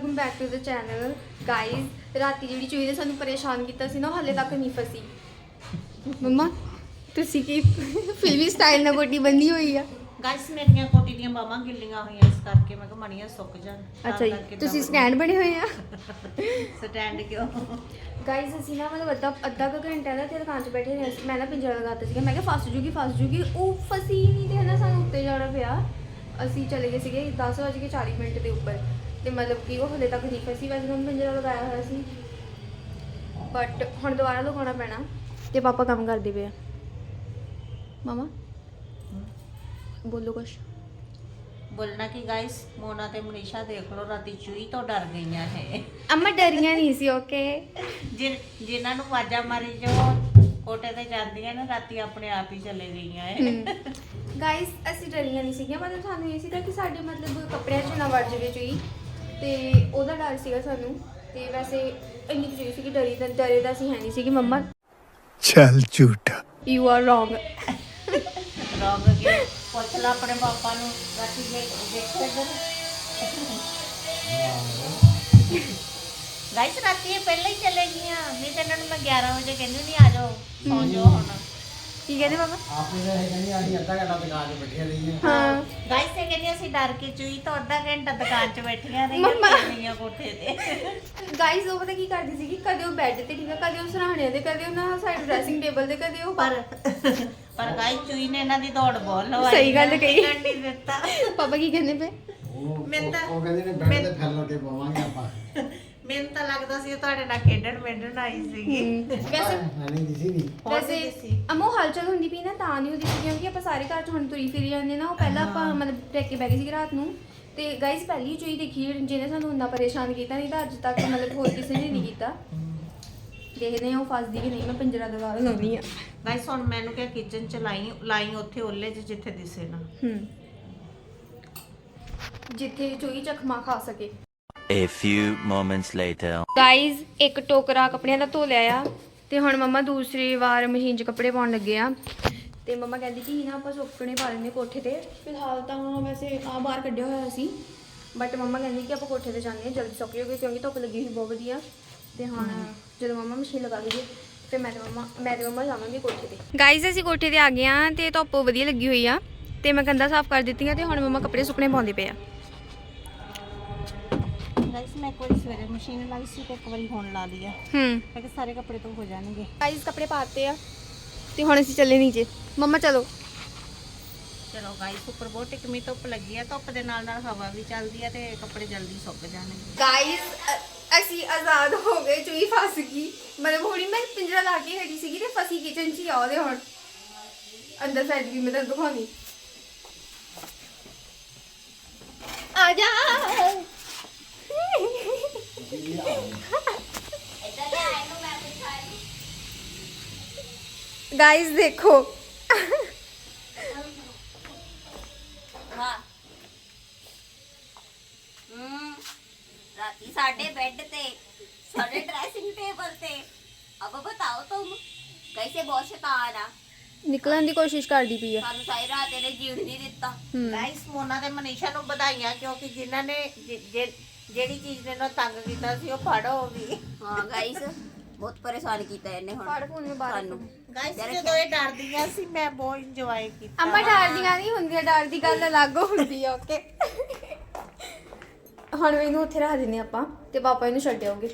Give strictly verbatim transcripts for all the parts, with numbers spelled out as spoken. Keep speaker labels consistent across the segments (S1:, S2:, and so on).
S1: Welcome back to the channel guys. ਰਾਤੀ ਜਿਹੜੀ ਚੂਹੀ ਨੇ ਸਾਨੂੰ ਪਰੇਸ਼ਾਨ ਕੀਤਾ ਸੀ ਨਾ, ਹਾਲੇ ਤੱਕ ਨਹੀਂ ਫਸੀ। ਮੰਮਾ ਤੁਸੀਂ ਕੀ ਫਿਲਮੀ ਸਟਾਈਲ ਨਾਲ ਕੋਟੀ ਬੰਨੀ ਹੋਈ ਆ?
S2: ਗਾਇਸ ਮੇਰੀਆਂ ਕੋਟੀ ਦੀਆਂ ਬਾਹਾਂ ਗਿੱਲੀਆਂ ਹੋਈਆਂ, ਇਸ ਕਰਕੇ ਮੈਂ ਕਿਹਾ ਮਣੀਆਂ ਸੁੱਕ ਜਾਣ।
S1: ਅੱਛਾ ਜੀ, ਤੁਸੀਂ ਸਟੈਂਡ ਬਣੇ ਹੋਏ ਆ?
S2: ਸਟੈਂਡ ਕਿਉਂ?
S1: ਗਾइस ਅਸੀਂ ਨਾ ਮਤਲਬ ਅੱਧਾ ਅੱਧਾ ਕੁ ਘੰਟਾ ਦਾ ਤੇ ਦੁਕਾਨ 'ਚ ਬੈਠੇ ਰਹੇ ਸੀ। ਮੈਂ ਨਾ ਪਿੰਜਰਾ ਲਗਾਤਾ ਸੀਗਾ, ਮੈਂ ਕਿਹਾ ਫਸ ਜੂਗੀ ਫਸ ਜੂਗੀ, ਉਹ ਫਸੀ ਨਹੀਂ ਤੇ ਨਾ ਸਾਨੂੰ ਉੱਤੇ ਜਾਣਾ ਪਿਆ। ਅਸੀਂ ਚਲੇ ਗਏ ਸੀਗੇ ਦਸ ਵੱਜ ਕੇ ਚਾਲੀ ਮਿੰਟ ਦੇ ਉੱਪਰ ਤੇ ਮਤਲਬ ਕਿ ਉਹ ਹਲੇ ਤੱਕ ਨਹੀਂ ਫਸੀ। ਵੈਸੇ ਹੁਣ ਪਿੰਜਰਾ ਲਗਾਇਆ ਹੋਇਆ ਸੀ ਬਟ ਹੁਣ ਦੁਬਾਰਾ ਲਗਾਉਣਾ ਪੈਣਾ ਤੇ ਪਾਪਾ ਕੰਮ ਕਰਦੇ ਪਏ ਆ। ਮਾਮਾ ਬੋਲੋ ਕੁਛ।
S2: ਬੋਲਣਾ ਕਿ ਗਾਇਸ ਮੋਨਾ ਤੇ ਮਨੀਸ਼ਾ ਦੇਖ ਲਓ, ਰਾਤੀ ਚੂਹੀ ਤੋਂ ਡਰ ਗਈਆਂ ਹੈ।
S1: ਅੰਮਾ ਡਰੀਆਂ ਨਹੀਂ ਸੀ, ਓਕੇ।
S2: ਜਿ ਜਿਨ੍ਹਾਂ ਨੂੰ ਆਵਾਜ਼ਾਂ ਮਾਰੀ ਜੋ ਕੋਟੇ ਤੇ ਜਾਂਦੀਆਂ ਨੇ, ਰਾਤੀ ਆਪਣੇ ਆਪ ਹੀ ਚਲੇ ਗਈਆਂ ਹੈ।
S1: ਗਾਇਸ ਅਸੀਂ ਡਰੀਆਂ ਨਹੀਂ ਸੀਗੀਆਂ, ਮਤਲਬ ਸਾਨੂੰ ਇਹ ਸੀਗਾ ਕਿ ਸਾਡੇ ਮਤਲਬ ਕੱਪੜਿਆਂ 'ਚ ਨਾ ਵੜ ਜਾਵੇ ਚੂਹੀ, ਤੇ ਉਹਦਾ ਡਰ ਸੀਗਾ ਸਾਨੂੰ। ਤੇ ਵੈਸੇ ਇੰਨੀ ਕੁ ਚੂਹੀ ਸੀਗੀ, ਡਰੀ ਤਾਂ ਡਰੇ ਤਾਂ ਅਸੀਂ ਹੈ ਨਹੀਂ ਸੀਗੀ। ਮੰਮਾ
S3: ਚੱਲ ਝੂਠਾ,
S1: ਯੂ ਆਰ ਰੋਂਗ।
S2: ਰੋਂਗ ਕੇ ਪੁੱਛ ਲਾ ਆਪਣੇ ਪਾਪਾ ਨੂੰ, ਰਾਤੀ ਦੇਖ ਦੇਖੋ ਇੱਧਰ। ਗਾਇਸ ਰਾਤੀ ਇਹ ਪਹਿਲਾਂ ਹੀ ਚਲੇ ਗਈਆਂ, ਨਹੀਂ ਤਾਂ ਇਹਨਾਂ ਨੂੰ ਮੈਂ ਗਿਆਰਾਂ ਵਜੇ ਕਹਿੰਦੀ ਨਹੀਂ ਆ ਜਾਓ, ਸੌਂ ਜਾਓ ਹੁਣ।
S1: ਕੀ ਕਹਿੰਦੇ ਪਾਪਾ?
S4: ਆਪੇ ਤਾਂ ਇਹ ਕਹਿੰਦੀ ਅਸੀਂ ਅੱਧਾ ਘੰਟਾ ਦੁਕਾਨ 'ਤੇ ਬੈਠੀਆਂ ਰਹੀਆਂ।
S1: ਹਾਂ
S2: ਗਾਇਸ ਇਹ ਕਹਿੰਦੀ ਅਸੀਂ ਡਰ ਕੇ ਚੂਹੀ ਤੋਂ ਅੱਧਾ ਘੰਟਾ ਦੁਕਾਨ 'ਚ ਬੈਠੀਆਂ
S1: ਮੰਮਾ।
S2: ਰਹੀਆਂ ਕੋਠੇ ਤੇ।
S1: ਗਾਇਸ ਉਹ ਪਤਾ ਕੀ ਕਰਦੀ ਸੀਗੀ, ਕਦੇ ਉਹ ਬੈੱਡ ਤੇ ਠੀਕ ਆ, ਕਦੇ ਉਹ ਸਰਾਣੇ ਤੇ, ਕਦੇ ਉਹ ਨਾ ਸਾਡੇ ਡਰੈਸਿੰਗ ਟੇਬਲ ਤੇ, ਕਦੇ ਉਹ
S2: ਪਰ ਪਰ ਗਾਇਸ ਚੂਹੀ ਨੇ ਇਹਨਾਂ ਦੀ ਦੌੜ ਬਹੁਤ ਲਵਾਈ।
S1: ਸਹੀ ਗੱਲ ਕਹੀ।
S2: ਟਿਕਣ ਨਹੀਂ ਦਿੱਤਾ।
S1: ਪਾਪਾ ਕੀ ਕਹਿੰਦੇ ਪਏ?
S4: ਉਹ
S2: ਮੈਨੂੰ ਤਾਂ-
S4: ਉਹ ਕਹਿੰਦੇ ਨੇ ਬੈਠ ਤੇ ਫੈਲ ਕੇ ਪਵਾਂਗੇ ਆਪਾਂ।
S2: ਮੈਨੂੰ ਤਾਂ ਲੱਗਦਾ ਸੀ ਉਹ ਤੁਹਾਡੇ ਨਾਲ ਖੇਡਣ ਮੇਡਣ ਆਈ ਸੀਗੀ।
S1: ਵੈਸੇ
S4: ਨਹੀਂ ਦਿਸੀ ਨਹੀਂ।
S1: ਵੈਸੇ ਅਮੋ ਹਲਚਲ ਹੁੰਦੀ ਪਈ ਨਾ, ਤਾਂ ਨਹੀਂ ਹੁੰਦੀ ਸੀ ਕਿਉਂਕਿ ਆਪਾਂ ਸਾਰੇ ਘਰ 'ਚ ਹੁਣ ਤੁਰੀ ਫਿਰੀ ਜਾਂਦੇ ਨਾ। ਉਹ ਪਹਿਲਾਂ ਆਪਾਂ ਮਤਲਬ ਟੇਕੇ ਬੈ ਗਏ ਸੀ ਰਾਤ ਨੂੰ, ਤੇ ਗਾਇਸ ਪਹਿਲੀ ਚੂਹੀ ਦੇਖੀ ਜਿਹਨੇ ਸਾਨੂੰ ਇੰਨਾ ਪਰੇਸ਼ਾਨ ਕੀਤਾ, ਨਹੀਂ ਤਾਂ ਅੱਜ ਤੱਕ ਮਤਲਬ ਹੋਰ ਕਿਸੇ ਨੇ ਨਹੀਂ ਕੀਤਾ। ਦੇਖਦੇ ਹਾਂ ਉਹ ਫਸਦੀ ਕਿ ਨਹੀਂ। ਮੈਂ ਪਿੰਜਰਾ ਦਵਾ ਲਾਉਣੀ ਆ।
S2: ਗਾਇਸ ਹੁਣ ਮੈਨੂੰ ਕਿਹਾ ਕਿਚਨ ਚ ਲਾਈ ਲਾਈ ਉੱਥੇ ਓਲੇ 'ਚ ਜਿੱਥੇ ਦਿਸੇ ਨਾ,
S1: ਹੂੰ ਜਿੱਥੇ ਚੂਹੀ ਚਖਮਾ ਖਾ ਸਕੇ।
S5: A few moments later.
S1: Guys ਇੱਕ ਟੋਕਰਾ ਕੱਪੜਿਆਂ ਦਾ ਧੋ ਲਿਆ ਆ, ਤੇ ਹੁਣ ਮੰਮਾ ਦੂਸਰੀ ਵਾਰ ਮਸ਼ੀਨ 'ਚ ਕੱਪੜੇ ਪਾਉਣ ਲੱਗੇ ਆ। ਤੇ ਮੰਮਾ ਕਹਿੰਦੀ ਕਿ ਨਾ ਆਪਾਂ ਸੁੱਕਣੇ ਪਾ ਲੈਂਦੇ ਕੋਠੇ ਤੇ। ਫਿਲਹਾਲ ਤਾਂ ਵੈਸੇ ਆ ਬਾਹਰ ਕੱਢਿਆ ਹੋਇਆ ਸੀ, ਬਟ ਮੰਮਾ ਕਹਿੰਦੀ ਕਿ ਆਪਾਂ ਕੋਠੇ ਤੇ ਜਾਂਦੇ ਹਾਂ, ਜਲਦੀ ਸੁੱਕ ਜਾਊਗੀ ਕਿਉਂਕਿ ਧੁੱਪ ਲੱਗੀ ਹੋਈ ਬਹੁਤ ਵਧੀਆ। ਤੇ ਹੁਣ ਜਦੋਂ ਮੰਮਾ ਮਸ਼ੀਨ ਲਗਾ ਦੂਗੀ ਫਿਰ ਮੈਂ ਤੇ ਮੰਮਾ ਮੈਂ ਤੇ ਮੰਮਾ ਜਾਵਾਂਗੇ ਕੋਠੇ ਤੇ। ਗਾਇਜ਼ ਅਸੀਂ ਕੋਠੇ ਤੇ ਆ ਗਏ ਆ ਤੇ ਧੁੱਪ ਵਧੀਆ ਲੱਗੀ ਹੋਈ ਆ, ਤੇ ਮੈਂ ਕੰਧਾਂ ਸਾਫ਼ ਕਰ ਦਿੱਤੀਆਂ ਤੇ ਹੁਣ ਮੰਮਾ ਕੱਪੜੇ ਸੁੱਕਣੇ ਪਾਉਂਦੇ ਪਏ ਆ।
S2: ਗਾਇਸ ਮੈਂ ਇੱਕ ਵਾਰੀ ਸਵੇਰੇ ਮਸ਼ੀਨ ਲਾਈ ਸੀ ਤੇ ਇੱਕ ਵਾਰੀ ਹੁਣ ਲਾ ਲਈ ਆ।
S1: ਹੂੰ
S2: ਮੈਂ ਕਿਹਾ ਸਾਰੇ ਕੱਪੜੇ ਤੋਂ ਹੋ ਜਾਣਗੇ।
S1: ਗਾਇਜ਼ ਕੱਪੜੇ ਪਾਤੇ ਆ ਤੇ ਹੁਣ ਅਸੀਂ ਚੱਲੇ ਨੀਚੇ। ਮੰਮਾ ਚਲੋ।
S2: ਚਲੋ ਗਾਇਸ ਉੱਪਰ ਬਹੁਤ ਟਿਕਮੀ ਧੁੱਪ ਲੱਗੀ ਆ, ਧੁੱਪ ਦੇ ਨਾਲ ਨਾਲ ਹਵਾ ਵੀ ਚੱਲਦੀ ਆ ਤੇ ਕੱਪੜੇ ਜਲਦੀ ਸੁੱਕ ਜਾਣਗੇ।
S1: ਗਾਇਸ ਅਸੀਂ ਆਜ਼ਾਦ ਹੋ ਗਏ, ਚੂਹੀ ਫਸ ਗਈ। ਮਤਲਬ ਹੁਣੀ ਮੈਂ ਪਿੰਜਰਾ ਲਾ ਕੇ ਖੜੀ ਸੀਗੀ ਤੇ ਫਸੀ ਕਿਚਨ 'ਚ ਹੀ ਆ। ਉਹਦੇ ਹੁਣ ਅੰਦਰ ਫੈਲ ਗਈ, ਮੈਂ ਤੁਹਾਨੂੰ ਦਿਖਾਉਣੀ। ਆ ਜਾ ਗਾਇਸ ਦੇਖੋ।
S6: ਵਾਹ ਹਮ राती साढ़े बेड पे साढ़े ड्रेसिंग टेबल पे। अब बताओ तुम कैसे बहुत शैतान आ।
S1: ਨਿਕਲਣ ਦੀ ਕੋਸ਼ਿਸ਼ ਕਰਦੀ ਪਈ ਆ।
S6: सानू सारी रात ने जीण नहीं दिता।
S2: ਗਾਇਸ ਮੋਨਾ ਤੇ ਮਨੀਸ਼ਾ ਨੂੰ ਵਧਾਈਆਂ, ਕਿਉਂਕਿ ਜਿਨ੍ਹਾਂ ਨੇ ਜਿ- ਜਿ- ਜਿਹੜੀ ਚੀਜ਼ ਨੇ ਨਾ ਤੰਗ ਕੀਤਾ ਸੀ ਉਹ ਫੜ ਹੋ ਗਈ।
S6: हाँ गाइस बहुत परेशान किया इन्हें हुण
S1: ਫੜ ਫੋਨ ਮੈਂ ਬਾਹਰ
S6: सानू।
S2: ਗਾਇਸ ਜਦੋਂ ਇਹ ਡਰਦੀਆਂ ਸੀ ਮੈਂ ਬਹੁਤ ਇੰਜੋਏ ਕੀਤਾ।
S1: ਅੰਮਾ ਡਰਦੀਆਂ ਨਹੀਂ ਹੁੰਦੀਆਂ, ਡਰ ਦੀ ਗੱਲ ਅਲੱਗ ਹੁੰਦੀ ਆ। ਓਕੇ ਹੁਣ ਇਹਨੂੰ ਉੱਥੇ ਰੱਖ ਦਿੰਦੇ ਆਪਾਂ ਤੇ ਪਾਪਾ ਇਹਨੂੰ ਛੱਡ ਆਉਗੇ।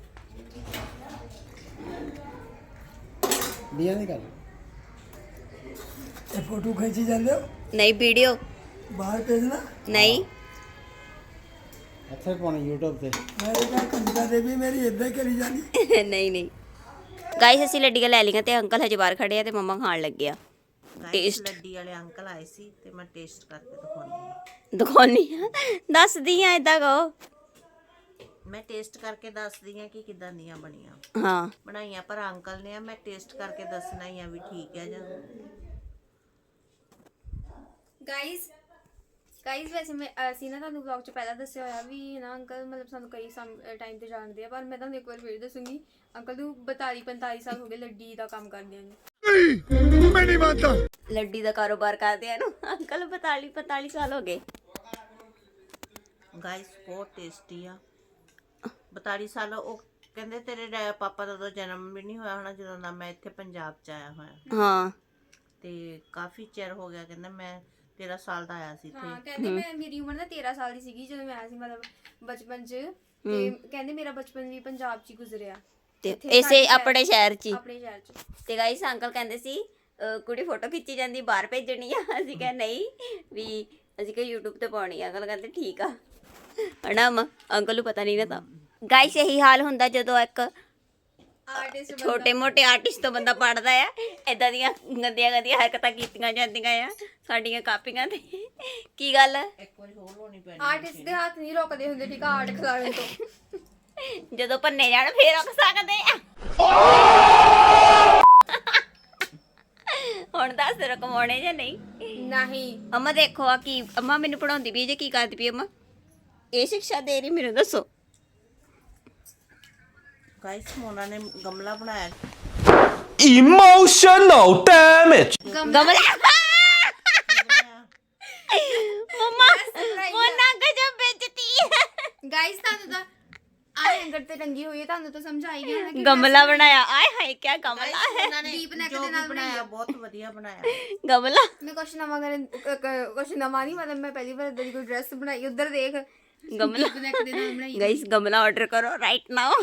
S4: ਦੀਆਂ ਨਹੀਂ ਕਰ ਇਹ ਫੋਟੋ ਖਿੱਚੀ ਜਾਂਦੇ ਹੋ
S6: नहीं वीडियो
S4: ਬਾਹਰ ਭੇਜਣਾ।
S6: नहीं
S4: ਇੱਥੇ ਪਾਉਣੀ YouTube ਤੇ। ਮੇਰੇ ਨਾਲ ਕੰਜਾ ਦੇ ਵੀ ਮੇਰੀ ਇੱਦਾਂ ਕਰੀ ਜਾਂਦੀ।
S6: नहीं नहीं गाइस ਅਸੀਂ ਲੱਡੀਆਂ ਲੈ ਲਈਆਂ ਤੇ ਅੰਕਲ ਹਜੇ ਬਾਹਰ ਖੜੇ ਆ ਤੇ ਮੰਮਾ ਖਾਣ ਲੱਗੇ ਆ।
S2: ਗਾਇਸ
S6: ਟੇਸਟ
S2: ਲੱਡੀ ਵਾਲੇ ਅੰਕਲ ਆਏ ਸੀ ਤੇ ਮੈਂ ਟੇਸਟ ਕਰਕੇ ਦਿਖਾਉਣੀ ਆ।
S6: ਦਿਖਾਉਣੀ ਆ, ਦੱਸਦੀ ਆ ਏਦਾਂ ਕਹੋ।
S2: ਮੈਂ ਟੇਸਟ ਕਰਕੇ ਦੱਸਦੀ ਆ ਕਿ ਕਿਦਾਂ ਦੀਆਂ ਬਣੀਆਂ
S6: ਹਾਂ
S2: ਬਣਾਈਆਂ, ਪਰ ਅੰਕਲ ਨੇ ਆ ਮੈਂ ਟੇਸਟ ਕਰਕੇ ਦੱਸਣਾ ਹੀ ਆ ਵੀ ਠੀਕ ਹੈ ਜਾਂ।
S1: ਗਾਇਸ ਗਾਇਸ ਵੈਸੇ ਮੈਂ ਅਸੀਂ ਨਾ ਤੁਹਾਨੂੰ ਵਲੌਗ 'ਚ ਪਹਿਲਾਂ ਦੱਸਿਆ ਹੋਇਆ ਵੀ ਨਾ ਅੰਕਲ ਮਤਲਬ ਸਾਨੂੰ ਕਈ ਟਾਈਮ ਤੇ ਜਾਣਦੇ ਆ, ਪਰ ਮੈਂ ਤੁਹਾਨੂੰ ਇੱਕ ਵਾਰ ਫਿਰ ਦੱਸੂਗੀ। ਅੰਕਲ ਨੂੰ ਬਤਾਲੀ ਪੰਤਾਲੀ ਸਾਲ ਹੋ ਗਏ ਲੱਡੀ ਦਾ ਕੰਮ ਕਰਦਿਆਂ ਨੂੰ।
S3: ਮੈਂ ਨਹੀਂ ਮੰਨਦਾ।
S6: ਲੱਡੀ ਦਾ ਕਾਰੋਬਾਰ ਕਰਦੇ ਆ ਨੂੰ ਅੰਕਲ ਬਤਾਲੀ ਪੰਤਾਲੀ ਸਾਲ ਹੋ ਗਏ।
S2: ਗਾਇਸ ਬਹੁਤ ਟੇਸਟੀ ਆ। ਬਤਾਲੀ ਸਾਲ ਉਹ ਕਹਿੰਦੇ ਤੇਰੇ ਡੈ- ਪਾਪਾ ਦਾ ਤਾਂ ਜਨਮ ਵੀ ਨਹੀਂ ਹੋਇਆ ਹੋਣਾ ਜਦੋਂ ਦਾ ਮੈਂ ਇੱਥੇ ਪੰਜਾਬ ਚ ਆਇਆ ਹੋਇਆ
S6: ਹਾਂ
S2: ਤੇ ਕਾਫੀ ਚਿਰ ਹੋ ਗਿਆ ਕਹਿੰਦਾ ਮੈਂ ਤੇਰਾਂ ਸਾਲ ਦਾ ਆਇਆ ਸੀ
S1: ਹਾਂ
S2: ਇੱਥੇ
S1: ਕਹਿੰਦੇ ਮੈਂ ਮੇਰੀ ਉਮਰ ਨਾ ਤੇਰਾਂ ਸਾਲ ਦੀ ਸੀਗੀ ਜਦੋਂ ਮੈਂ ਆਇਆ ਸੀ ਮਤਲਬ ਬਚਪਨ 'ਚ ਤੇ ਕਹਿੰਦੇ ਮੇਰਾ ਬਚਪਨ ਵੀ ਪੰਜਾਬ 'ਚ ਹੀ ਗੁਜ਼ਰਿਆ
S6: ਤੇ
S1: ਇੱਥੇ
S6: ਇਸੇ
S1: ਸਾਡੇ ਸ਼ਹਿਰ-
S6: ਆਪਣੇ ਸ਼ਹਿਰ 'ਚ ਹੀ।
S1: ਆਪਣੇ ਸ਼ਹਿਰ 'ਚ
S6: ਤੇ ਗਾਈਸ ਅੰਕਲ ਕਹਿੰਦੇ ਸੀ ਅਹ ਕੁੜੀ ਫੋਟੋ ਖਿੱਚੀ ਜਾਂਦੀ ਬਾਹਰ ਭੇਜਣੀ ਆ ਅਸੀਂ ਕਿਹਾ ਨਹੀਂ ਵੀ ਅਸੀਂ ਕਿ YouTube ਤੇ ਪਾਉਣੀ ਆ ਅੰਕਲ ਕਹਿੰਦੇ ਠੀਕ ਆ ਹਨਾ ਅਮਾ ਅੰਕਲ ਨੂੰ ਪਤਾ ਨਹੀਂ ਨਾ ਤਾਂ ਗਾਈਸ ਇਹੀ ਹਾਲ ਹੁੰਦਾ ਜਦੋਂ ਇੱਕ
S1: ਆਰਟਿਸਟ
S6: ਛੋਟੇ ਮੋਟੇ ਆਰਟਿਸਟ ਤੋਂ ਬੰਦਾ ਪੜਦਾ ਆ ਏਦਾਂ ਦੀਆਂ ਗੰਦੀਆਂ ਗੰਦੀਆਂ ਹਰਕਤਾਂ ਕੀਤੀਆਂ ਜਾਂਦੀਆਂ ਆ ਸਾਡੀਆਂ ਕਾਪੀਆਂ ਤੇ ਕੀ ਗੱਲ
S2: ਇੱਕ ਵਾਰੀ ਹੋਰ ਹੋਣੀ ਪੈਣੀ
S1: ਆਰਟਿਸਟ ਦੇ ਹੱਥ ਨਹੀਂ ਰੁਕਦੇ ਹੁੰਦੇ ਠੀਕ ਆ ਆਰਟ ਖਿਲਾੜਨ ਤੋਂ
S6: ਜਦੋਂ ਭੰਨੇ ਜਾਣ ਫੇਰ ਰੁਕ ਸਕਦੇ ਆ ਹੁਣ ਦੱਸ ਰਕਮਾਉਣੇ ਜਾਂ ਨਹੀਂ
S1: ਨਹੀਂ
S6: ਅਮਾ ਦੇਖੋ ਆ ਕੀ ਅਮਾ ਮੈਨੂੰ ਪੜਾਉਂਦੀ ਪਈ ਜੇ ਕੀ ਕਰਦੀ ਪਈ ਅਮਾ ਇਹ ਸਿੱਖਿਆ ਦੇ ਰਹੀ ਮੈਨੂੰ ਦੱਸੋ
S2: ਗਾਇਸ ਮੋਨਾ ਨੇ ਗਮਲਾ ਬਣਾਇਆ
S7: Emotional damage.
S6: ਗਮਲਾ ਮਮਾ ਮੋਨਾ ਗਜਬ ਬੇਇੱਜ਼ਤੀ
S1: ਗਾਇਸ ਤੁਹਾਨੂੰ ਤਾਂ ਆ ਹੈਂਗਰ ਤੇ ਟੰਗੀ ਹੋਈ ਹੈ ਤੁਹਾਨੂੰ ਤਾਂ ਸਮਝ ਆਈ ਗਿਆ ਨਾ ਕਿ
S6: ਗਮਲਾ ਬਣਾਇਆ ਆਏ ਹਾਏ ਕੀ ਗਮਲਾ ਹੈ
S2: ਉਹਨਾਂ ਨੇ
S1: Deep neck
S2: ਜੋ
S1: ਦੇ
S2: ਵੀ
S1: ਨਾਲ
S2: ਬਣਾਇਆ
S1: ਬਣਾਇਆ।
S2: ਬਹੁਤ ਵਧੀਆ ਬਣਾਇਆ
S6: ਗਮਲਾ
S1: ਮੈਂ ਕੁਛ ਨਵਾਂ ਕਰਨ ਕ- ਕ- ਕੁਛ ਨਵਾਂ ਨਹੀਂ ਮਤਲਬ ਮੈਂ ਪਹਿਲੀ ਵਾਰ ਇਦਾਂ ਦੀ ਕੋਈ ਡਰੈਸ ਬਣਾਈ ਉਧਰ ਦੇਖ
S6: ਗਮਲਾ
S1: neck ਦੇ ਨਾਲ ਬਣਾਈ
S6: ਗਾਇਸ ਗਮਲਾ ਆਰਡਰ ਕਰੋ ਰਾਈਟ ਨਾਓ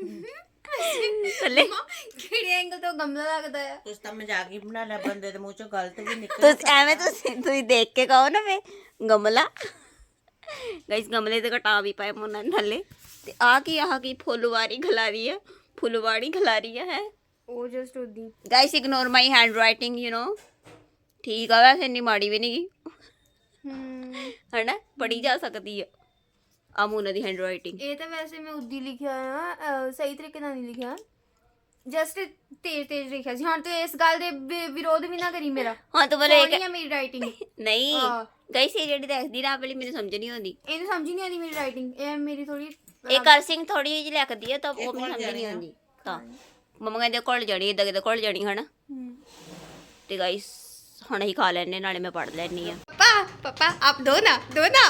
S6: ਥੱਲੇ
S1: ਕਿਹੜੇ ਐਂਗਲ ਤੋਂ ਗਮਲਾ ਲੱਗਦਾ ਹੈ
S2: ਤੁਸੀਂ ਤਾਂ ਮਜ਼ਾਕ ਹੀ ਬਣਾ ਲਿਆ ਬੰਦੇ ਦੇ ਮੂੰਹ ਚੋਂ ਗਲਤ ਵੀ ਨਿਕਲ
S6: ਤੁਸੀਂ ਐਵੇਂ ਤੁਸੀਂ ਤੁਸੀਂ ਦੇਖ ਕੇ ਕਹੋ ਨਾ ਵੇ ਗਮਲਾ ਗਾਇਸ ਗਮਲੇ ਤੇ ਘਟਾ ਵੀ ਪਾਏ ਮੋਨਾ ਨੇ ਥੱਲੇ ਤੇ ਆ ਕੀ ਆਹ ਕੀ ਫੁੱਲਵਾਰੀ ਖਿਲਾਰੀ ਹੈ ਫੁੱਲਵਾੜੀ ਖਿਲਾਰੀ ਹੈ
S1: ਉਹ ਜਸਟ ਉਦੀ
S6: guys ignore my handwriting you know ਠੀਕ ਆ ਵੈਸੇ ਇੰਨੀ ਮਾੜੀ ਵੀ ਨਹੀਂ ਗੀ
S1: ਹਮ
S6: ਹਨਾ ਪੜੀ ਜਾ ਸਕਦੀ ਆ ਆ ਮੋਨਾ ਦੀ ਹੈਂਡ ਰਾਈਟਿੰਗ
S1: ਇਹ ਤਾਂ ਵੈਸੇ ਮੈਂ ਉਦੀ ਲਿਖਿਆ ਨਾ ਅਹ, ਸਹੀ ਤਰੀਕੇ ਨਾਲ ਨਹੀਂ ਲਿਖਿਆ ਜਸਟ ਤੇਜ਼ ਤੇਜ਼ ਲਿਖਿਆ ਸੀ ਹੁਣ ਤੇ ਇਸ ਗੱਲ ਦੇ ਵਿ- ਵਿਰੋਧ ਵੀ ਨਾ ਕਰੀ ਮੇਰਾ
S6: ਹਾਂ ਤੂੰ ਬੋਲੇ
S1: ਸੋਹਣੀ ਆ ਮੇਰੀ ਰਾਈਟਿੰਗ
S6: ਨਹੀਂ
S1: ਹਾਂ।
S6: ਗਾਇਸ ਇਹ ਜਿਹੜੀ ਦੇਖਦੀ ਨਾ ਵਾਲੀ ਮੈਨੂੰ ਸਮਝ ਨਹੀਂ ਆਉਂਦੀ
S1: ਇਹਨੂੰ ਸਮਝ ਹੀ ਨਹੀਂ ਆਉਂਦੀ ਮੇਰੀ ਰਾਈਟਿੰਗ ਇਹ ਮੇਰੀ ਥੋੜੀ
S6: ਇਹ ਕਰਸਿੰਗ ਥੋੜੀ ਜਿਹੀ ਲਿਖਦੀ ਆ ਤਾਂ ਉਹ ਮੈਨੂੰ ਸਮਝ ਨਹੀਂ ਆਉਂਦੀ ਤਾਂ ਮੰਮਾ ਕਹਿੰਦੇ ਕੋਲ ਜਾਣੀ ਇਦਾਂ ਕਿਤੇ ਕੋਲ ਜਾਣੀ ਹਨਾ ਤੇ ਗਾਇਸ ਹੁਣ ਅਸੀਂ ਖਾ ਲੈਣੇ ਨਾਲੇ ਮੈਂ ਪੜ ਲੈਣੀ ਆ
S1: ਪਾਪਾ ਪਾਪਾ ਆਪ ਦੋ ਨਾ ਦੋ ਨਾ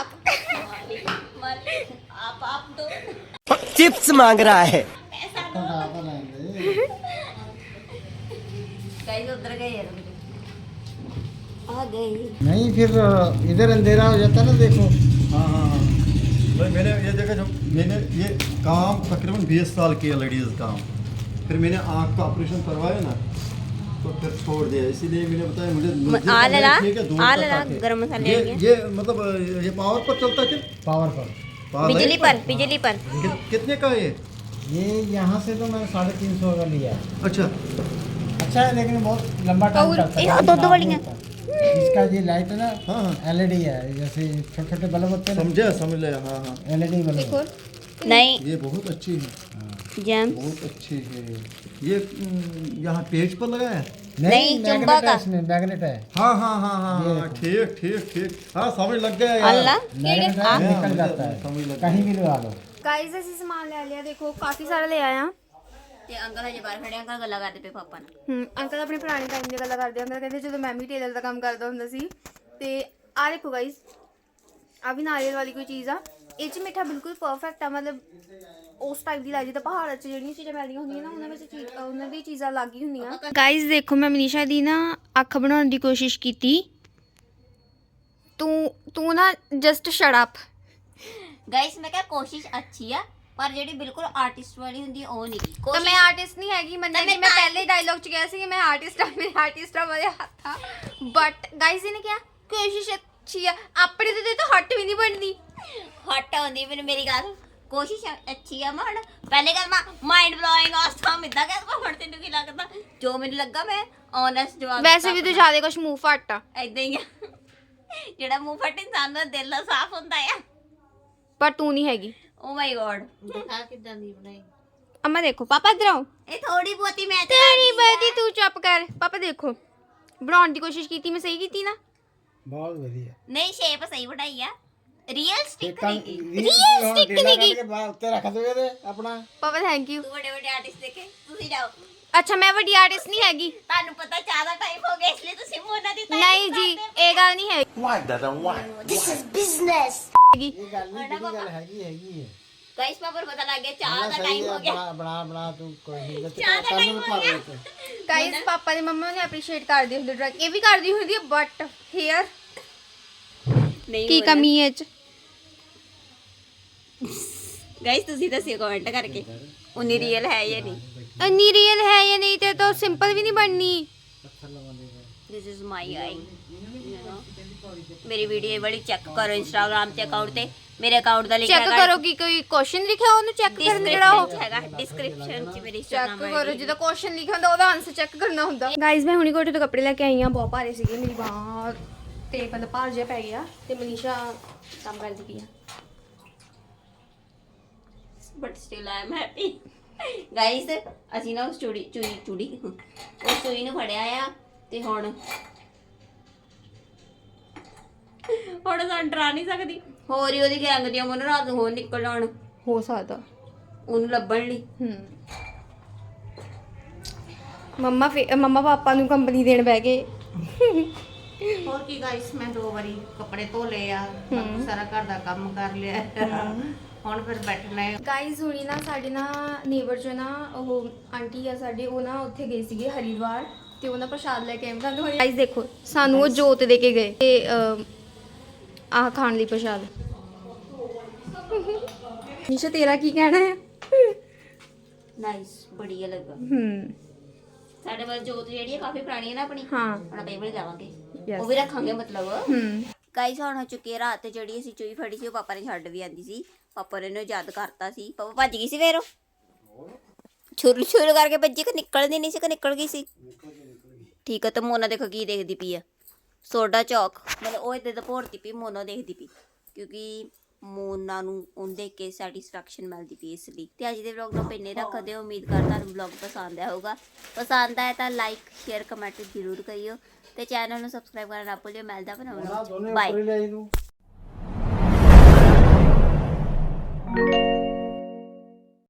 S6: ਆਪ ਆਪ ਦੋ
S7: Chips मांग रहा है.
S6: ਗਾਇਸ ਉਧਰ ਗਏ ਯਾਰ ਆ ਗਈ
S4: नहीं फिर इधर अंधेरा हो जाता ना देखो
S8: हाँ हाँ हाँ भाई मैंने ये देखा जब मैंने ये काम तकरीबन बीस साल किया लेडीज़ काम फिर मैंने आँख का ऑपरेशन करवाया ना तो फिर छोड़ दिया इसीलिए मैंने बताया मुझे मुझे
S6: आ
S8: पहले
S6: लला,
S8: ठीक है, दूर
S6: आ
S8: तक
S6: लला,
S8: आके।
S6: गरम मसाले
S8: ये
S6: आ गए।
S8: ये मतलब ये पावर पर चलता है क्या
S4: पावर पर
S8: पावर
S6: बिजली
S8: लाइट
S6: पर बिजली पर
S8: कि, कितने का है ये
S4: ये यहाँ से तो मैं साढ़े तीन सौ का लिया है।
S8: अच्छा
S4: अच्छा है लेकिन बहुत लंबा टाइम
S6: और
S4: करता
S6: ये
S4: है
S6: दो- दो
S4: खराब
S6: वाली
S4: नहीं
S6: हैं।
S4: होता। इसका ये लाइट है ना
S8: हाँ हाँ
S4: एलईडी है जैसे छोटे छोटे बल्ब होते हैं
S8: समझे समझ लिया हाँ हाँ
S4: ना एलईडी बल्ब है।
S6: नहीं
S8: ये बहुत अच्छी है
S6: जैम
S8: बहुत अच्छी है ये हम्म, यहाँ पेज पर लगा है
S6: नहीं,
S4: मैग्नेट
S6: चुंबक
S4: है
S6: का।
S4: इसमें मैग्नेट है
S8: हाँ हाँ हाँ हाँ हाँ ठीक ठीक ठीक हाँ समझ लग गया यार
S6: अल्लाह
S4: मैग्नेट है
S8: हाँ,
S4: निकल
S8: मुझे
S4: जाता
S8: समझ
S4: है
S8: लग
S4: कहीं भी लगा लो
S1: ਗਾਇਸ ਅਸੀਂ ਸਮਾਨ ਲੈ ਲਿਆ ਦੇਖੋ ਕਾਫੀ ਸਾਰਾ ਲੈ ਆਇਆ
S6: ਤੇ ਅੰਕਲ ਹਜੇ ਬਾਹਰ ਖੜੇ ਅੰਕਲ ਗੱਲਾਂ ਕਰਦੇ ਪਏ ਪਾਪਾ ਨਾਲ
S1: ਹੂੰ ਅੰਕਲ ਆਪਣੇ ਪੁਰਾਣੇ ਟਾਈਮ ਦੀਆਂ ਗੱਲਾਂ ਕਰਦੇ ਹੁੰਦੇ ਕਹਿੰਦੇ ਜਦੋਂ ਮੈਂ ਵੀ ਟੇਲਰ ਦਾ ਕੰਮ ਕਰਦਾ ਹੁੰਦਾ ਸੀ ਤੇ ਆ ਦੇਖੋ ਗਾਇਸ ਆ ਵੀ ਨਾਰੀਅਲ ਵਾਲੀ ਕੋਈ ਚੀਜ਼ ਆ ਇਹ ਚ ਮਿੱਠਾ ਬਿਲਕੁਲ ਪਰਫੈਕਟ ਆ ਮਤਲਬ ਉਸ ਟਾਈਪ ਦੀ ਲੱਗਦੀ ਤਾਂ ਪਹਾੜਾਂ 'ਚ ਜਿਹੜੀਆਂ ਚੀਜ਼ਾਂ ਮਿਲਦੀਆਂ ਹੁੰਦੀਆਂ ਨਾ ਉਹਨਾਂ ਵਿੱਚ ਚੀਜ਼ ਉਹਨਾਂ ਦੀ ਚੀਜ਼ਾਂ ਅਲੱਗ ਹੀ ਹੁੰਦੀਆਂ ਗਾਇਸ ਦੇਖੋ ਮੈਂ ਮਨੀਸ਼ਾ ਦੀ ਨਾ ਅੱਖ ਬਣਾਉਣ ਦੀ ਕੋਸ਼ਿਸ਼ ਕੀਤੀ ਤੂੰ ਤੂੰ ਨਾ ਜਸਟ ਸ਼ਟ ਅਪ
S6: ਗਾਇਸ ਮੈਂ ਕਿਹਾ ਕੋਸ਼ਿਸ਼ ਅੱਛੀ ਆ ਪਰ ਜਿਹੜੀ ਬਿਲਕੁਲ ਆਰਟਿਸਟ ਵਾਲੀ ਹੁੰਦੀ ਉਹ ਨਹੀਂ ਗੀ
S1: ਤਾਂ ਮੈਂ ਆਰਟਿਸਟ ਨਹੀਂ ਹੈਗੀ ਮੰਨਿਆ ਕਿ ਮੈਂ ਪਹਿਲੇ ਡਾਇਲੌਗ 'ਚ ਕਿਹਾ ਸੀ ਕਿ ਮੈਂ ਆਰਟਿਸਟ ਆ ਮੇਰੇ ਆਰਟਿਸਟ ਆ ਮੇਰੇ ਹੱਥ ਆ ਬਟ ਗਾਇਸ ਇਹਨੇ ਕਿਹਾ ਕੋਸ਼ਿਸ਼ ਅੱਛੀ ਆ ਆਪਣੇ ਤੇ ਤਾਂ ਹੱਟ ਵੀ ਨਹੀਂ ਬਣਦੀ
S6: ਹਟ ਆਉਂਦੀ ਮੈਨੂੰ ਮੇਰੀ ਗੱਲ ਕੋਸ਼ਿਸ਼ ਅੱਛੀ ਆ ਮਣ ਪਹਿਲੇ ਗੱਲ ਮੈਂ ਮਾਈਂਡ ਬਲੋਇੰਗ ਆਸਮ ਇਦਾਂ ਕਹਿੰਦਾ ਹੁਣ ਤੈਨੂੰ ਕੀ ਲੱਗਦਾ ਜੋ ਮੈਨੂੰ ਲੱਗਾ ਮੈਂ ਓਨੈਸਟ ਜਵਾਬ
S1: ਵੈਸੇ ਵੀ ਤੂੰ ਜ਼ਿਆਦਾ ਕੁਝ ਮੂੰਹ ਫੱਟ ਆ
S6: ਇਦਾਂ ਹੀ ਆ ਜਿਹੜਾ ਮੂੰਹ ਫਟ ਇਨਸਾਨ ਦਾ ਦਿਲ ਸਾਫ਼ ਹੁੰਦਾ ਆ
S1: ਪਰ ਤੂੰ ਨਹੀਂ ਹੈਗੀ
S6: ਓ ਮਾਈ ਗॉड
S2: ਦਿਖਾ ਕਿਦਾਂ ਦੀ ਬਣਾਈ
S1: ਅਮਾ ਦੇਖੋ ਪਾਪਾ ਇੱਧਰ ਆਓ
S6: ਇਹ ਥੋੜੀ ਬਹੁਤੀ ਮੈਂ
S1: ਤੇਰੀ ਬਦੀ ਤੂੰ ਚੁੱਪ ਕਰ ਪਾਪਾ ਦੇਖੋ ਬਣਾਉਣ ਦੀ ਕੋਸ਼ਿਸ਼ ਕੀਤੀ ਮੈਂ ਸਹੀ ਕੀਤੀ ਨਾ
S4: बहुत बढ़िया
S6: ਨਹੀਂ ਸ਼ੇਪ ਸਹੀ ਬਣਾਈ ਆ ਰੀਅਲ ਸਟਿਕ
S4: कल
S6: ਨਹੀਂ
S1: Real stick नहीं की।
S4: के बाद तेरा रख दोगे थे अपना
S1: ਪਾਪਾ ਥੈਂਕ ਯੂ
S6: ਤੂੰ ਵੱਡੇ ਵੱਡੇ ਆਰਟਿਸਟ ਦੇਖੇ ਤੁਸੀਂ ਜਾਓ
S1: ਅੱਛਾ ਮੈਂ ਵੱਡੀ ਆਰਟਿਸਟ ਨਹੀਂ ਹੈਗੀ
S6: ਤੁਹਾਨੂੰ ਪਤਾ ਜ਼ਿਆਦਾ ਟਾਈਮ ਹੋ ਗਿਆ ਇਸ ਲਈ ਤੁਸੀਂ ਮੋਨਾ ਦੀ ਤਾਰੀਫ
S1: ਨਹੀਂ ਜੀ ਇਹ ਗੱਲ ਨਹੀਂ ਹੈਗੀ
S4: ये गल ये गल हैगी हैगी है
S6: ਗਾਇਸ ਪਾਪਾ ਨੂੰ ਪਤਾ ਲੱਗ ਗਿਆ ਚਾਹ ਦਾ ਟਾਈਮ ਹੋ ਗਿਆ।
S4: ਬਣਾ ਬਣਾ ਬਣਾ ਤੂੰ ਕੋਈ ਨਹੀਂ
S6: ਚਾਹ ਦਾ ਟਾਈਮ ਹੋ ਗਿਆ।
S1: ਗਾਇਸ ਪਾਪਾ ਦੀ ਮੰਮਾ ਨੇ ਐਪਰੀਸ਼ੀਏਟ ਕਰਦੀ ਹੁੰਦੀ ਡਰੈਗ, ਇਹ ਵੀ ਕਰਦੀ ਹੁੰਦੀ ਹੈ ਬਟ ਹੇਅਰ
S6: ਨਹੀਂ
S1: ਕੀ ਕਮੀ ਹੈ ਇਹ ਚ?
S6: ਗਾਇਸ ਤੁਸੀਂ ਦੱਸਿਓ ਕਮੈਂਟ ਕਰਕੇ ਉਨੀ ਰੀਅਲ ਹੈ ਜਾਂ ਨਹੀਂ।
S1: ਇੰਨੀ ਰੀਅਲ ਹੈ ਜਾਂ ਨਹੀਂ ਤੇ ਤਾਂ ਸਿੰਪਲ ਵੀ ਨਹੀਂ ਬਣਨੀ।
S6: This is my eye. ਮੇਰੀ ਵੀਡੀਓ ਬੜੀ ਚੈੱਕ ਕਰੋ ਇੰਸਟਾਗ੍ਰਾਮ ਤੇ ਅਕਾਊਂਟ ਤੇ, ਮੇਰੇ ਅਕਾਊਂਟ ਦਾ ਲਿੰਕ
S1: ਚੈੱਕ ਕਰੋ ਕਿ ਕੋਈ ਕੁਐਸਚਨ ਲਿਖਿਆ ਉਹਨੂੰ ਚੈੱਕ ਕਰਨ ਜਿਹੜਾ ਉਹ
S6: ਹੈਗਾ ਡਿਸਕ੍ਰਿਪਸ਼ਨ ਚ ਮੇਰੀ
S1: ਚੈੱਕ
S6: ਇੰਸਟਾਗ੍ਰਾਮ
S1: ਕਰੋ, ਜਿਹਦਾ ਕੁਐਸਚਨ ਲਿਖਿਆ ਹੁੰਦਾ ਉਹਦਾ ਆਨਸਰ ਚੈੱਕ ਕਰਨਾ ਹੁੰਦਾ। ਗਾਇਸ ਮੈਂ ਹੁਣੀ ਕੋਟੇ ਤੋਂ ਕੱਪੜੇ ਲੈ ਕੇ ਆਈ ਹਾਂ, ਬਹੁਤ ਭਾਰੇ ਸੀਗੇ, ਮੇਰੀ ਬਾਂਹ ਤੇ ਮਤਲਬ ਭਾਰ ਜਿਹਾ ਪੈ ਗਿਆ ਤੇ ਮਨੀਸ਼ਾ ਕੰਮ ਕਰਦੀ ਪਈ ਆ।
S6: But still I am happy. Guys ਅਸੀਂ ਨਾ ਉਸ ਚੂੜੀ ਚੂੜੀ ਚੂੜੀ ਉਸ ਚੂੜੀ ਨੂੰ ਫੜਿਆ ਆ ਤੇ ਹੁਣ ਹੁਣ ਸਾਨੂੰ ਡਰਾ ਨਹੀਂ ਸਕਦੀ। ਹੋਰ ਹੀ ਉਹਦੀ ਗੈਂਗ ਦੀਆਂ ਮਨ ਰਾਤ ਨੂੰ ਹੋਰ ਨਿਕਲ ਜਾਣ
S1: ਹੋ ਸਕਦਾ
S6: ਉਹਨੂੰ ਲੱਭਣ ਲਈ।
S1: ਹੂੰ ਮੰਮਾ ਫੇ ਮੰਮਾ ਪਾਪਾ ਨੂੰ ਕੰਪਨੀ ਦੇਣ ਬਹਿ ਗਏ।
S2: ਹੋਰ ਕੀ ਗਾਇਸ, ਮੈਂ ਦੋ ਵਾਰੀ ਕੱਪੜੇ ਧੋ ਲਏ ਆ, ਬਾਕੀ ਸਾਰਾ ਘਰ ਦਾ ਕੰਮ ਕਰ ਲਿਆ। ਹੁਣ ਫਿਰ ਬੈਠਣਾ ਹੈ।
S1: ਗਾਇਸ ਹੁਣੀ ਨਾ ਸਾਡੇ ਨਾ ਨੇਬਰ ਚ ਨਾ ਉਹ ਆਂਟੀ ਆ ਸਾਡੇ, ਉਹ ਨਾ ਉੱਥੇ ਗਏ ਸੀਗੇ ਹਰੀਦਵਾਰ ਤੇ ਉਹਨਾਂ ਪ੍ਰਸ਼ਾਦ ਲੈ ਕੇ ਆਏ। ਤੁਹਾਨੂੰ ਗਾਇਸ ਦੇਖੋ ਸਾਨੂੰ ਉਹ ਜੋਤ ਦੇ ਕੇ ਗਏ ਤੇ ਅਹ, ਆਹ ਖਾਣ ਲਈ ਪ੍ਰਸ਼ਾਦ। ਨਿਸ਼ਾ ਤੇਰਾ ਕੀ ਕਹਿਣਾ ਹੈ?
S6: ਨਾਈਸ, ਬੜੀਆ ਲੱਗਾ।
S1: ਹੂੰ
S6: ਸਾਡੇ ਵੱਲ ਜੋਤ ਜਿਹੜੀ ਹੈ ਕਾਫੀ ਪੁਰਾਣੀ ਹੈ ਨਾ ਆਪਣੀ,
S1: ਹਾਂ
S6: ਹੁਣ ਆਪਾਂ ਇਹ ਵਾਲੀ ਲਾਵਾਂਗੇ,
S1: Yes.
S6: ਉਹ ਵੀ ਰੱਖਾਂਗੇ ਮਤਲਬ।
S1: ਹੂੰ
S6: ਗਾਈਸ ਹੁਣ ਹੋ ਚੁੱਕੀ ਹੈ ਰਾਤ ਤੇ ਜਿਹੜੀ ਅਸੀਂ ਚੂਈ ਫੜੀ ਸੀ ਉਹ ਪਾਪਾ ਨੇ ਛੱਡ ਵੀ ਆਂਦੀ ਸੀ। ਪਾਪਾ ਨੇ ਇਹਨੂੰ ਯਾਦ ਕਰਤਾ ਸੀ, ਪਾਪਾ ਭੱਜ ਗਈ ਸੀ ਫੇਰ ਉਹ ਛੁਰ ਛੁਰ ਕਰਕੇ ਭੱਜੀ ਕਿ ਨਿਕਲਦੀ ਨਹੀਂ ਸੀ ਕਿ ਨਿਕਲ ਗਈ ਸੀ। ਠੀਕ ਹੈ, ਤੇ ਮੋਨਾ ਦੇਖੋ ਕੀ ਦੇਖਦੀ ਪਈ ਆ, ਸੋਡਾ ਚੌਕ, ਮਤਲਬ ਉਹ ਇੱਦਾਂ ਦਾ ਭੋਰਦੀ ਪਈ, ਮੋਨਾ ਦੇਖਦੀ ਪਈ ਕਿਉਂਕਿ ਮੋਨਾ ਨੂੰ ਉਹਨੂੰ ਦੇਖ ਕੇ ਸੈਟੀਸਫੈਕਸ਼ਨ ਮਿਲਦੀ ਪਈ ਇਸ ਲਈ। ਤੇ ਅੱਜ ਦੇ ਵਲੌਗ ਨੂੰ ਇੰਨੇ ਰੱਖਦੇ ਹੋ, ਉਮੀਦ ਕਰਦਾ ਤੁਹਾਨੂੰ ਵਲੌਗ ਪਸੰਦ ਆਇਆ ਹੋਊਗਾ। ਪਸੰਦ ਆਇਆ ਤਾਂ ਲਾਈਕ ਸ਼ੇਅਰ ਕਮੈਂਟ ਜ਼ਰੂਰ ਕਰਿਓ ਤੇ ਚੈਨਲ ਨੂੰ ਸਬਸਕ੍ਰਾਈਬ ਕਰਨਾ ਨਾ ਭੁੱਲਿਓ। ਮਿਲਦਾ ਬਣਾਉਣਾ, ਬਾਏ।